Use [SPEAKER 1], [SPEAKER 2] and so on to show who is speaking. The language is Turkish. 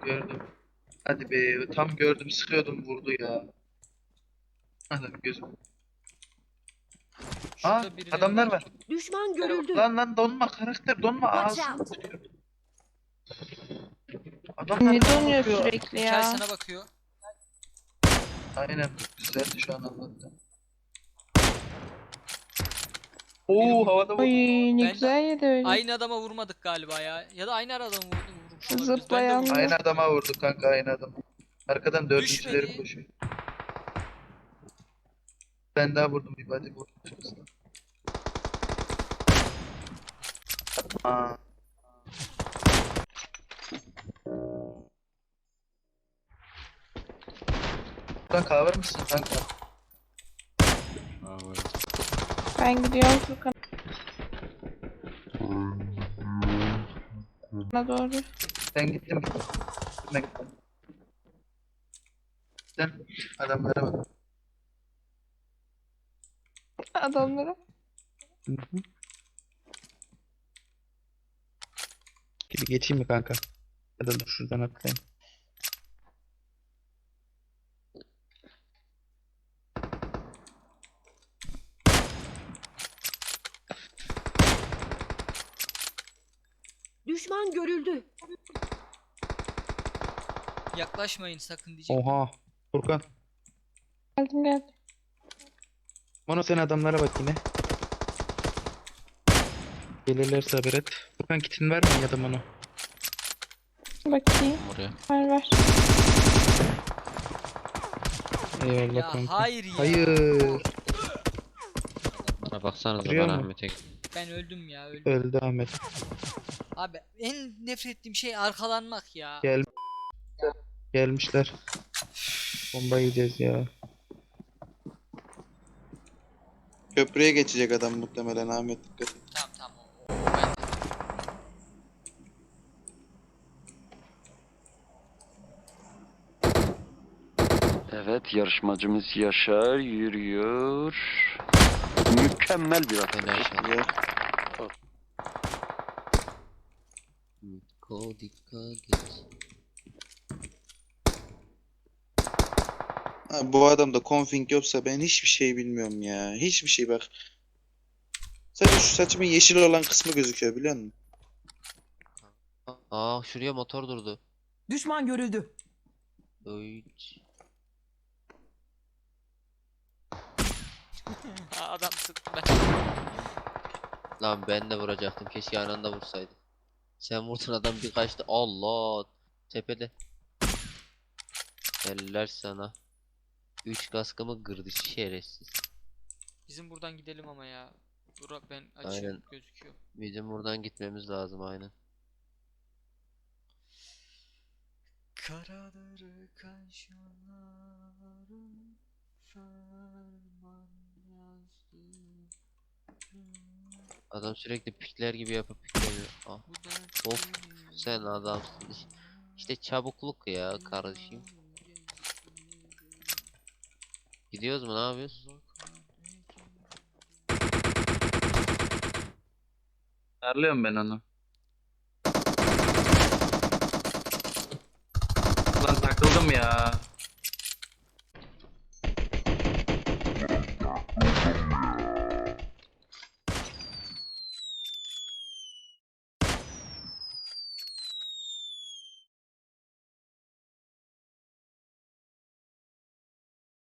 [SPEAKER 1] Gördüm. Hadi be, tam gördüm, sıkıyordum, vurdu ya. Adam gözüm. Aa,
[SPEAKER 2] Şurada birileri
[SPEAKER 1] adamlar var.
[SPEAKER 3] Düşman görüldü.
[SPEAKER 1] Lan donma, karakter donma,
[SPEAKER 3] Watch
[SPEAKER 1] ağzını
[SPEAKER 3] out.
[SPEAKER 1] sıçıyorum. Adamlar
[SPEAKER 4] Ne
[SPEAKER 1] bana
[SPEAKER 4] donuyor
[SPEAKER 1] bakıyor.
[SPEAKER 4] sürekli
[SPEAKER 2] Hikay
[SPEAKER 4] ya?
[SPEAKER 2] sana bakıyor.
[SPEAKER 1] Aynen, güzeldi şu an anlattım.
[SPEAKER 2] Biri
[SPEAKER 1] Oo,
[SPEAKER 2] vurdu.
[SPEAKER 1] havada
[SPEAKER 4] Oy
[SPEAKER 1] vurdu.
[SPEAKER 4] ne
[SPEAKER 2] Ben de-
[SPEAKER 4] güzel yedi öyle.
[SPEAKER 2] Aynı adama vurmadık galiba ya. Ya da aynı adama vurmuş olabiliriz. Ben de
[SPEAKER 4] Zıplayan
[SPEAKER 2] vurdum.
[SPEAKER 1] Aynı adama vurdu kanka, aynı adam. Arkadan dördüncüleri
[SPEAKER 2] Düşmedi.
[SPEAKER 1] koşuyor. Ben daha vurdum, bir body vurdum şurasına. Aa. Buradan cover mısın kanka?
[SPEAKER 4] Ben gidiyorum Furkan'a doğru.
[SPEAKER 1] Ben gittim. Ben gittim. Sen adamlara bak.
[SPEAKER 4] Adamlara.
[SPEAKER 1] Gibi geçeyim mi kanka? Ya da dur şuradan atlayayım.
[SPEAKER 3] Düşman görüldü.
[SPEAKER 2] Yaklaşmayın sakın diyecek.
[SPEAKER 1] Oha. Furkan.
[SPEAKER 4] Geldim.
[SPEAKER 1] Mono, sen adamlara bak yine. Gelirlerse haber et. Furkan kitin var mı ya da Mono?
[SPEAKER 4] Bakayım.
[SPEAKER 5] Oraya.
[SPEAKER 4] Var.
[SPEAKER 1] Eyvallah
[SPEAKER 2] Ya
[SPEAKER 1] kanka.
[SPEAKER 2] hayır ya.
[SPEAKER 1] Hayır.
[SPEAKER 5] Bana baksanıza,
[SPEAKER 1] Duruyor
[SPEAKER 5] ben
[SPEAKER 1] mu?
[SPEAKER 5] Ahmet'e
[SPEAKER 2] Ben öldüm ya öldüm.
[SPEAKER 1] Öldü Ahmet.
[SPEAKER 2] Abi en nefret ettiğim şey arkalanmak ya.
[SPEAKER 1] Gel. Gelmişler. Bomba yiyeceğiz ya.
[SPEAKER 6] Köprüye geçecek adam muhtemelen, Ahmet, dikkat et.
[SPEAKER 2] Tamam o bende.
[SPEAKER 7] Evet, yarışmacımız Yaşar yürüyor. Mükemmel bir atış.
[SPEAKER 6] Ya.
[SPEAKER 5] dikkat git.
[SPEAKER 6] Ha, bu adamda config yoksa ben hiçbir şey bilmiyorum ya. Hiçbir şey bak. Sadece şu saçımın yeşil olan kısmı gözüküyor, biliyor musun?
[SPEAKER 5] Aa, şuraya motor durdu.
[SPEAKER 8] Düşman görüldü.
[SPEAKER 5] Oy.
[SPEAKER 2] Adam sıktı ben.
[SPEAKER 5] Lan ben de vuracaktım, keşke aynı anda vursaydım. Sen vurdun, adam bir kaçtı. Allah, tepede. Eller sana. 3 kaskımı kırdı şerefsiz.
[SPEAKER 2] Bizim buradan gidelim ama ya. Burak ben açım
[SPEAKER 5] Aynen.
[SPEAKER 2] gözüküyor.
[SPEAKER 5] Bizim buradan gitmemiz lazım aynen.
[SPEAKER 2] Karadır kaşların ferman yazdı.
[SPEAKER 5] Adam sürekli pikler gibi yapıp piklemiyor. Ah,
[SPEAKER 2] Bu dert
[SPEAKER 5] of, sen adamsın. İşte çabukluk ya kardeşim. Gidiyoruz mu, ne yapıyoruz?
[SPEAKER 1] Darlıyorum ben onu. Lan takıldım ya.